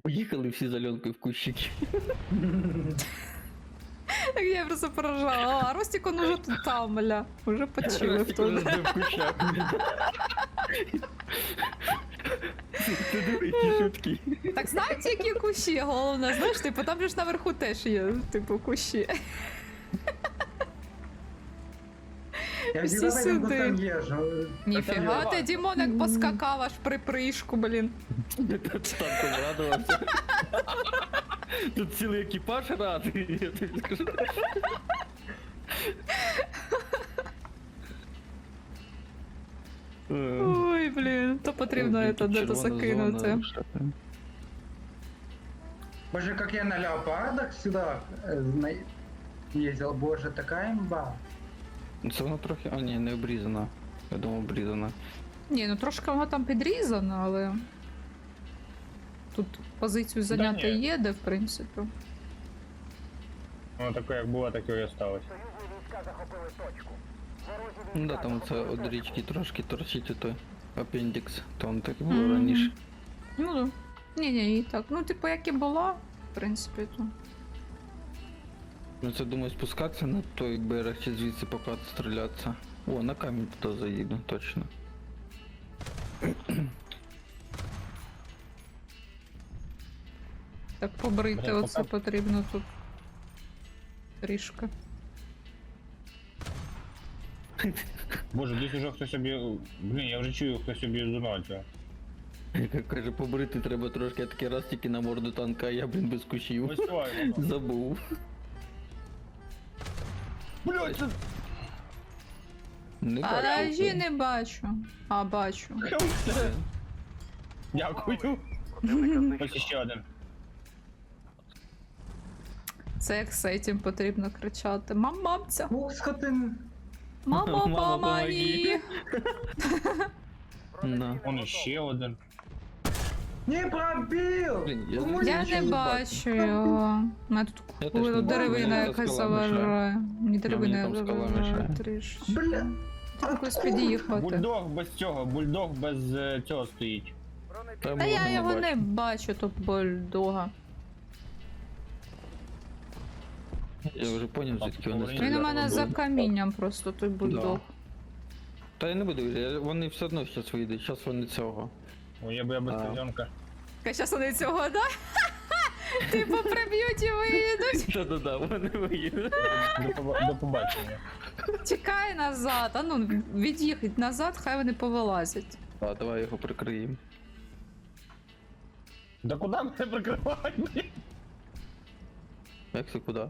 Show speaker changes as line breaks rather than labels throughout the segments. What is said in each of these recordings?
Поїхали всі з Альонкою в кущики.
Так я просто поражала. А Ростик, он уже тут там, бля. Уже почилив
Ростик уже
тут.
в кущах. Ти диви, які шутки.
Так знаєте, які кущі? Головне, знаєш, типу, там же ж наверху теж є, типу, кущі.
Я
Всі
всегда по этим
сюди.
кустам езжу.
Ніфіга ти, Дімон, як поскакав аж при пришку, блін.
Танком радувався. Тут цілий екіпаж радий, я тобі скажу.
Ой, блін, то потрібно це де-то закинути.
Боже, как я на леопардах сюда ездил, боже, такая имба.
Це воно трохи... А, ні, не обрізана. Я думав, обрізана.
Ні, ну трошки воно там підрізано, але... Тут позицію зайняти
ні.
є, де, в принципі.
Воно таке, як було, таке і осталось.
Ну да, там це від річки трошки торчить той апендікс. Там так і було раніше.
Ну, да. Ні-ні, і так. Ну, типу, як і була, в принципі, то...
Ну це думаю спускатися на той берег чи звідси поки стрілятися. О, на камінь туди заїду, точно.
Так побрити
Бля,
оце
пока-
потрібно тут. Трішки.
Боже, десь уже хтось об'їв... Блін, я вже чую, хтось об'їжджає.
Як каже, побрити треба трошки, я такий раз тільки на морду танка, а я, блін, без кущів.
Ось твоє воно.
Забув.
Блядь, це...
Не
А
бачу.
дажі не бачу. А, бачу.
Дякую. Ось ще один.
Це як з цим потрібно кричати. Мамця!
Ух, скотин.
Мама,
Мама,
помоги!
На.
Вон ще один.
Не пробил!
Блін, я
Ну,
Я
нічого
не бачу його. У мене
Я
тут
теж не бачу,
деревина
мені
якась
скала мішає.
заважає. Мені деревина
там скала
заважає
мішає.
трішки.
Бля.
Треба якось під'їхати.
Бульдог без цього, бульдог без цього стоїть.
Та я його не бачу, то бульдога.
Я вже поняв, звідки вони
Він
Він у
стріляють.
мене за камінням просто той бульдог.
Та я не буду, вони все одно зараз вийдуть, зараз вони цього.
О, я без
А.
стрілянка.
Зараз вони цього, да? Типу приб'ють і виїдуть.
Та-да-да, вони виїдуть.
До побачення.
Тікай назад, а ну від'їхать назад, хай вони повилазять.
А, давай його прикриємо.
Да куди мене прикривати, блін?
Як це куди?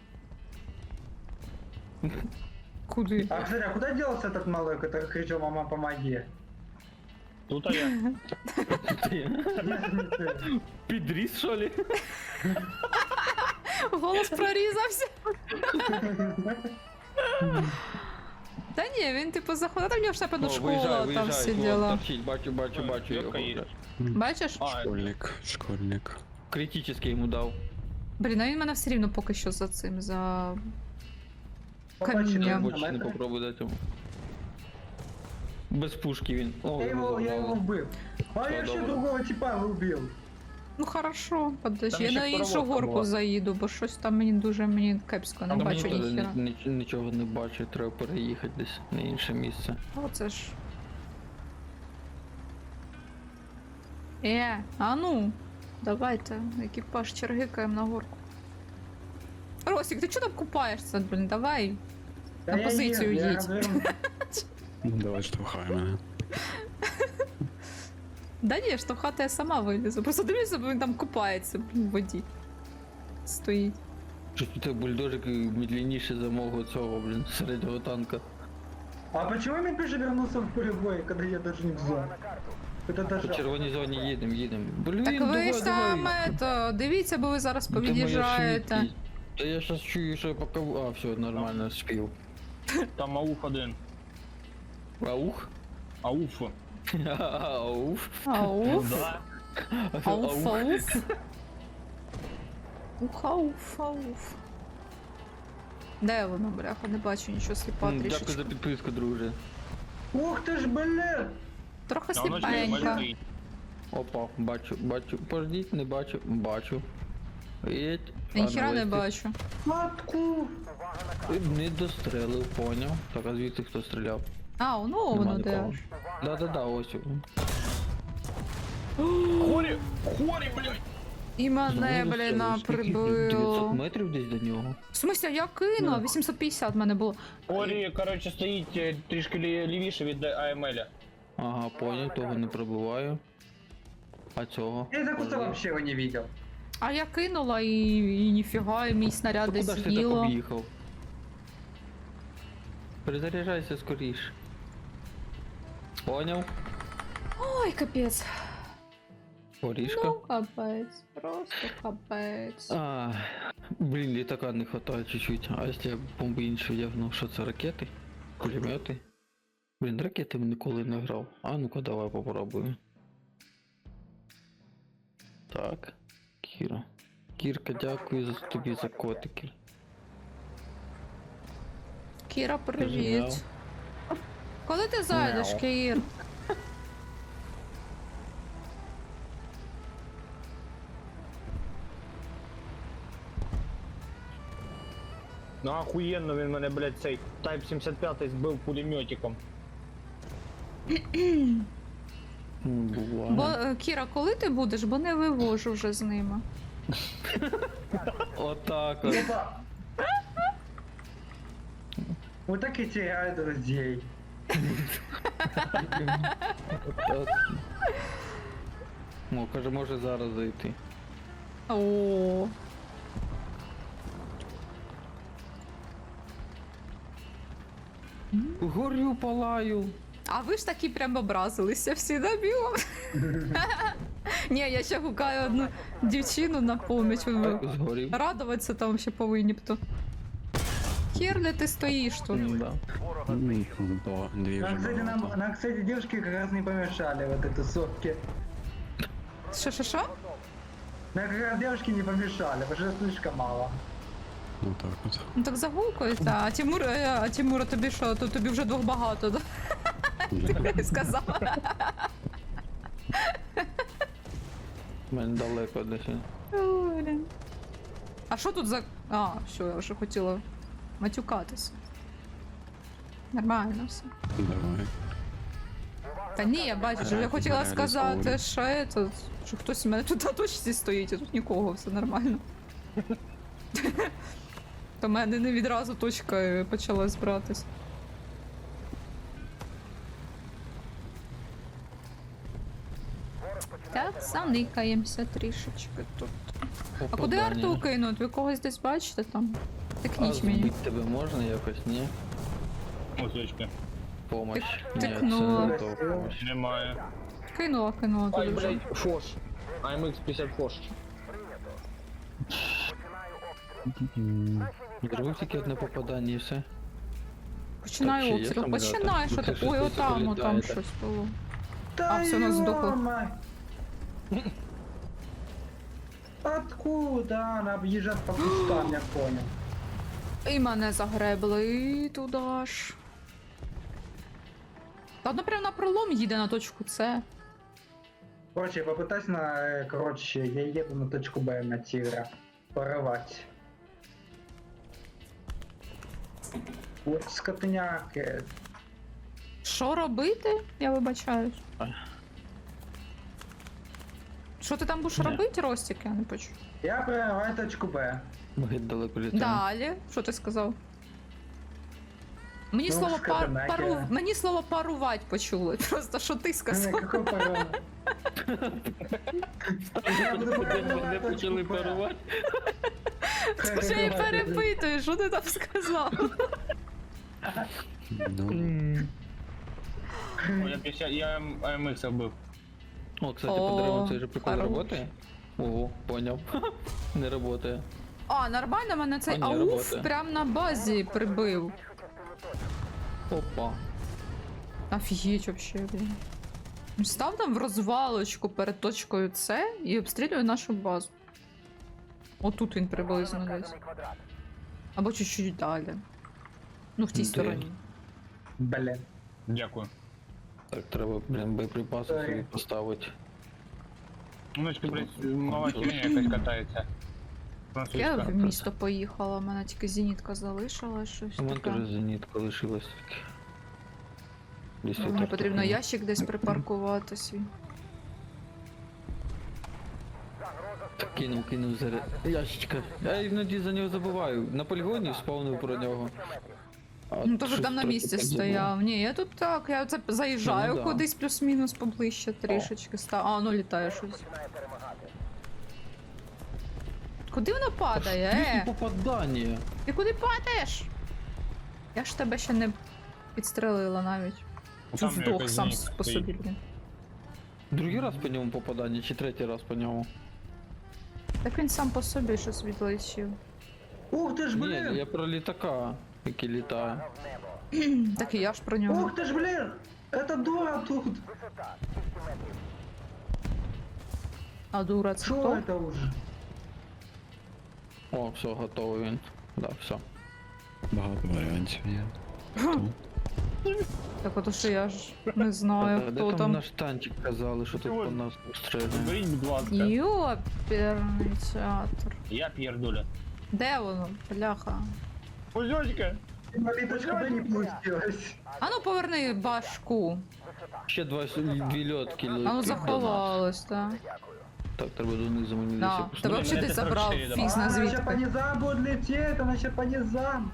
Куди?
А, кстати, а куда делся этот малой, который кричал «Мама, помоги»?
Тут а я.
Підріс, що ли?
Голос прорізався. Та ні, він типу заходив, там в нього ж напевно школа, там всі діла.
Торчить, бачу його.
Йотка їде.
Бачиш?
А,
Школьник.
Критический йому дав.
Блін, а він мене все рівно поки що за цим, за...
Побачив,
Камінням.
Бочі не попробуй дати йому. Без пушки він. О,
Я его
забрало.
убил. А я еще
добре.
другого типа убил.
Ну хорошо, подожди,
Там
я
ще
на іншу
коровка
горку
була.
заїду, бо щось там мені кепсько, не
Там
бачу
Мені теж
ніхіра.
нічого не бачу, треба переїхати десь на інше місце.
Оце ж. А ну, давайте, екіпаж чергикаємо на горку. Росік, ти чого там купаєшся, блін, давай.
Да
На
я
позицію
ем, я
їдь.
разверну.
Давай штовхай мене.
Да ні, штовхати я сама вилізу. Просто дивлюся, бо він там купається, блін, в воді. Стоїть.
Щось тут бульдожик медленніше за мого цього, блін, середнього танка.
А почему я опять же вернулся в поле боя, когда я даже не в зоне? Это
По
даже...
червоній зоні їдемо. Блін,
Так ви
давай,
ж там,
давай.
дивіться, бо ви зараз
Ну, ти моя
повід'їжджаєте.
швидкість. Та я щас чую, що я поки... А, все, нормально, спів.
там ауф один.
Аух?
Ауф.
Ауф.
Ауф.
Да.
Ауф, ауф. Ух, ауф, ауф. Де воно, бляха, не бачу нічого, сліпа
Дякую за
трішечки.
підписку, друже.
Ух ты ж, блин!
Трохи
А воно ж не
сліпенька.
стоїть.
Опа, бачу. Пождіть, не бачу. Бачу. Єть.
Я ніхіра не бачу.
Матку!
Не дострелив, поняв. Так, а звідси хто стріляв?
А, ну
Нема
воно де
нікого.
аж.
Да, ось він.
Хорі! Хорі, блядь!
І мене,
Ну,
блін,
це скільки? 900
прибило.
метрів десь до нього.
В смысле, я кинула, 850 в мене було.
Хорі, коротше, стоїть трішки лівіше від АМЛ.
Ага, поняв, того не пробиваю. А цього?
Я за куста
Пожди.
вообще его не видел.
А я кинула і ніфіга, і мій снаряд
Та
десь
куди ж ти так
з'їло.
об'їхав? Перезаряджайся скоріш. Поняв?
Ой, капець.
Горішка.
Ну, капець, просто капець.
А, блін, літака не хватає чуть-чуть. А якщо я бомби інші вдягну, що це ракети? Пулемети? Блін, ракетами ніколи не грав. А ну-ка, давай попробую. Так, Кіра. Кірка, дякую тобі за котики.
Кіра,
Мяу.
привіт. Коли ти зайдеш,
Мяу.
Кір?
Ну охуєнно він мене, блядь, цей Type 75 збив пулеметиком.
Буває.
Бо, Кіра, коли ти будеш, бо не вивожу вже з ними.
Отак от.
Опа! Вот так и теряют друзей.
Отак. О, каже, може зараз зайти.
О,
Горю, палаю.
а ви ж такі прям образилися всі на біло. Ні, я ще гукаю одну дівчину на поміч.
Згорів.
Радуватися там ще повинні б то. Кірле, ти стоїш тут.
Да.
Дві вже
Нам, кстати,
багато.
нам, кстати, девушки как раз не помешали вот этой сотке.
Що?
Нам как раз девушки не помешали, потому что слишком мало.
Ну так от.
Ну так загукується. А Тимура тобі що? То тобі вже двох багато, да? Ти сказав.
У мене далеко десь.
Ой, блін. А що тут за. А, що, я вже хотіла матюкатися. Нормально все.
Давай.
Та ні, я бачу, що я хотіла сказати, що хтось у мене тут на точці стоїть, а тут нікого, все нормально. То в мене не відразу точка почала збиратись. Так, заникаємося трішечки тут. А куди арту кинуть? Ви когось десь бачите там?
А
Тикніть мені.
збити тебе можна якось, ні?
Ось точки.
Помощь. Ні,
тикнула.
це не то помощь.
Немає.
Кинула
Ай,
туди вже.
блядь, фош. AMX 50 фош.
Зробив тільки одне попадання і все.
Починаю
Так, чи є
обстріл.
самоліти?
Починай, що
Ну,
ти.
це
Ой,
щось
отам
прилітає, так.
щось було.
Да
всё, нас сдохло.
ё-моё! Откуда она объезжает по кустам, я понял.
І мене загребли туди ж. Та одно прямо на пролом їде на точку С.
Короче, попытайся короче, я еду на точку Б на тигра. Порывать. Вот скотняки.
Що робити? Я вибачаюсь.
Ай.
Що ти там будеш
Ні.
робити, Ростік? Я не почув.
Я прорываю точку Б.
Геть далеко літає.
Далі. Що ти сказав? Мені
Ну,
слово
скотинаки.
мені слово парувати почули. Просто що ти сказав?
Какой порыв? Я буду
Вони почали парувати.
Скажи, я перепитую, що ти там сказав?
Ну,
О, я AMX вбив.
О, кстати,
О,
по дереву цей же прикол
хорош.
работає? Ого, поняв. Не работає.
А, нормально мене цей
А, ні,
ауф
робота.
прям на базі прибив.
Опа.
Офігеть вообще, блін. Став там в розвалочку перед точкою С і обстрілює нашу базу. Отут він приблизно десь. Або чуть-чуть далі. Ну, в тій
Де?
стороні.
Блин.
Дякую.
Так, треба, блін, боєприпаси
Так.
собі поставити.
Внучка, блядь, мала херня якась катається.
Я
Французька.
в місто поїхала, у мене тільки зенітка залишила, щось
У мене
таке.
теж зенітка лишилась тільки. Десь
Мені
отак
потрібно
такого.
ящик десь припаркувати свій.
Так кинув заряд. Ящичка. Я іноді за нього забуваю. На полігоні спавнив про нього. А
Ну то ж
щось
там на
трохи
місці
так
стояв. Ні, я тут так, я це заїжджаю
Ну, да.
кудись плюс-мінус поближче трішечки став. А, ну літає щось. Куди воно падає?
забув. Попадання.
Ти куди падаєш? Я ж тебе ще не підстрелила навіть.
Ну,
Чу
там
здох
якась
сам
зенітка
по
стоїть.
собі, блін.
Другий раз по ньому попадання, чи третій раз по ньому?
Так він сам по собі щось відлетів.
Ух ти ж,
Ні,
блін!
я про літака, який літає.
Так і я ж про нього.
Ух ти ж, блін! Это дура тут!
А дура, це
Що
хто?
это уже?
О, все, готовий він. Да, все.
Багато варіантів є.
Так ото що я ж не знаю,
Де
хто
там
там.
наш танчик казали, що тут
Ой.
по нас стріляє.
Беріть, будь ласка.
Йоперний театр.
Я П'єрдуля.
Де воно? Бляха.
Озёчка!
Инвалид точка Б не получилось.
А ну поверни башку.
Ще дві льотки
А ну
летить до нас.
заховалось, так.
Так, треба донизу мені
Да.
десь
Тебе
Блін,
взагалі
мене
десь
це
забрав
44
фіз на
Она еще по
звідки.
низам будет лететь, она еще по низам.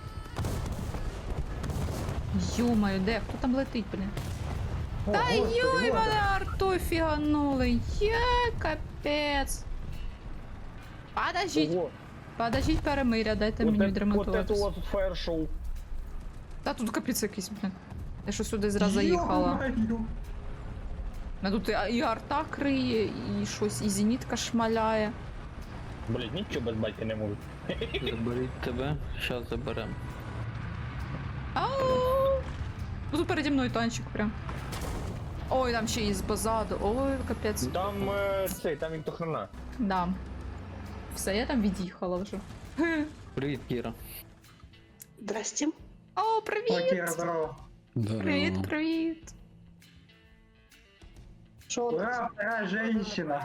Йомаю, де? Хто там летить, блін?
О,
Та
господи,
йой,
вот
мене артою фіганули. Є, капець. Подождіть, подождіть перемиря, дайте мені
Вот это
відремонтуватись.
вот фаєр-шоу.
Та тут капець якийсь, блін. Я що сюди зразу
это.
заїхала.
Ё-моё.
А тут і арта криє, і щось, і зенітка шмаляє.
Блять, нічого без батька не можу.
заберіть тебе, щас заберем.
Ау! Ну, тут переді мною танчик прям. Ой, там ще і позаду. Ой, капець.
Там там він то хрена.
Да. Все, я там від'їхала вже.
Привіт, Кіра.
Здрасте.
О, привіт!
Окей, здорово.
Привіт,
Здорово.
привіт!
Що у нас?
Ура, вторая женщина.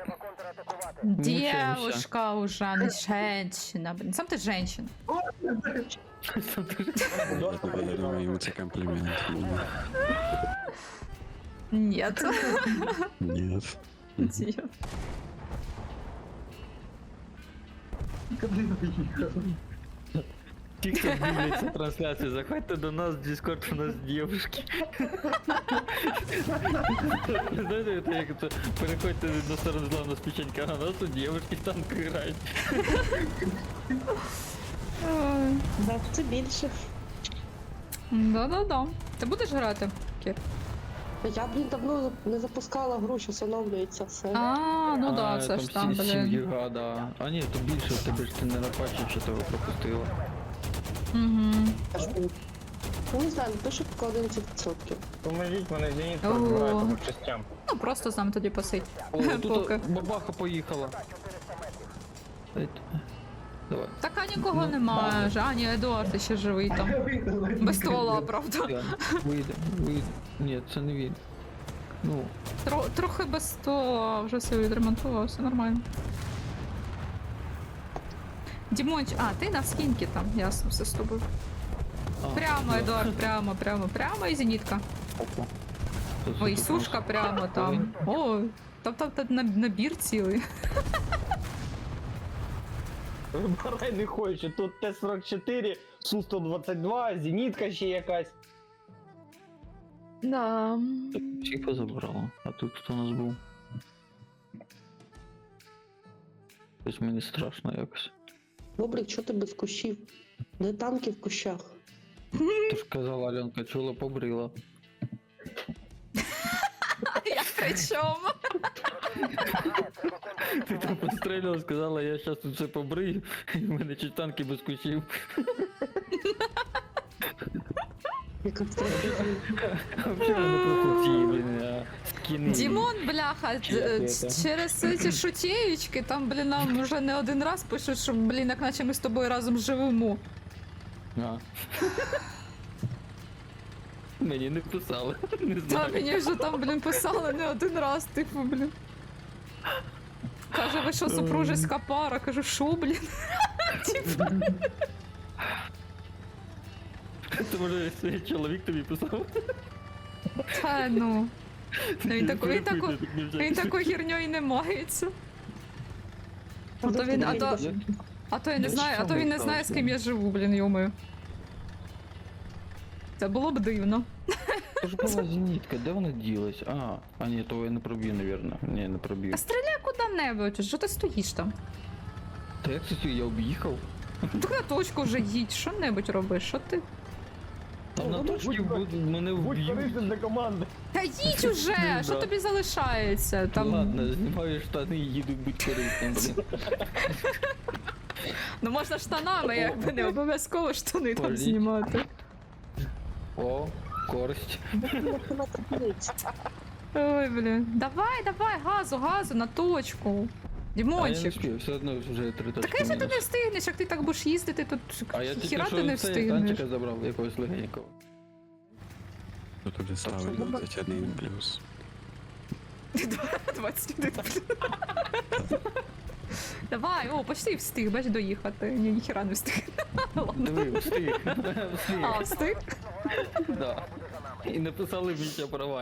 Девушка уже, а не женщина. Блин, сам ты женщина.
Я думаю, йому це комплімент буде.
Нет.
Ні.
Нет.
Куди виїхав?
Ті, хто дивляться трансляцію, заходьте до нас в Discord, у нас дівчатки. Знаєте, це як це, переходьте на сторону зла, у нас печенька, а у нас тут дівчатки там грають.
Да, це більше.
Да-да-да. Ти будеш грати, Кір?
Я, блін, давно не запускала гру, що встановлюється все.
А, ну да, це ж там, блин.
Гіга, да. А ні, то більше в тебе ж ти не напачив, що тебе пропустила.
Угу.
Я ж, ну, не знаю, пише поки 11%.
Поможіть мене зенітка
О.
розбирає по частям.
Ну просто сам тоді посидь.
О,
Поки.
тут бабаха поїхала. Давай.
Така нікого немає. вже. А, ні, Едуард ще живий там. Без ствола, правда.
Вийде, вийде. Ні, це не він. Ну,
Трохи без ствола, а вже все відремонтував, все нормально. Дімонч, а, ти на скінки там, ясно, все з тобою. Прямо, Едуард, прямо і зенітка.
Опа.
Ой, сушка прямо там. О, там набір цілий.
Вибирай не хочу, тут Т-44, Су-122, зенітка ще якась.
Да.
Всіх позабрала. А тут хто у нас був? Ось мені страшно якось.
Бобрик, що ти без кущів? Де танки в кущах?
Ти ж казала, Альонка, чула, побрила.
Я при чому?
Ти там пострілила, сказала, я щас тут все побрию, і в мене чуть танки без кущів.
Яка страшна.
А взагалі вони просто ці, блін, скіни.
Дімон, бляха, через ці шутєючки, там, блін, нам вже не один раз пишуть, що, блін, як наче ми з тобою разом живемо.
А. Мені не писали, не
Та
знаю.
мені вже там, блін, писали не один раз, типу, блін. Каже, ви що, супружеська пара? Кажу, що, блін? Типа,
Це може свій чоловік тобі писав?
та ну. Ну, він такою херньою не мається. А то він, а то я не знаю, а то він не знає, з ким я живу, блін, йомою. Це було б дивно.
Це ж була зенітка, де вона ділась? А ні, то я не проб'ю, навірно. Ні, не проб'ю.
Та стріляй куди-небудь, що ти стоїш там?
Та як це я об'їхав?
Так на точку вже їдь, що-небудь робиш, що ти?
Там на точці мене вб'ють.
для команди.
Та їдь уже, що
Да.
тобі залишається? Там...
Ладно, знімаю штани і їду будь корисним, блін.
Ну можна штанами, якби не обов'язково штани там
Політь.
знімати.
О, користь.
Ой, блін. Давай, давай, газу, на точку.
А я не
Дімончик.
встиг, все одно вже 3 точки.
Так якщо ти
мінус.
не встигнеш, як ти так будеш їздити, то
А я тільки
хіра
що
ти не
це
встигнеш.
танчика забрав, якогось легенького.
Тут тобі ставить 21 плюс.
21. Давай, о, почти встиг, бач, доїхати. Ні, ніхіра не встиг. Ладно.
Диви, встиг. Встиг.
А, встиг?
Да. І написали Вітя права.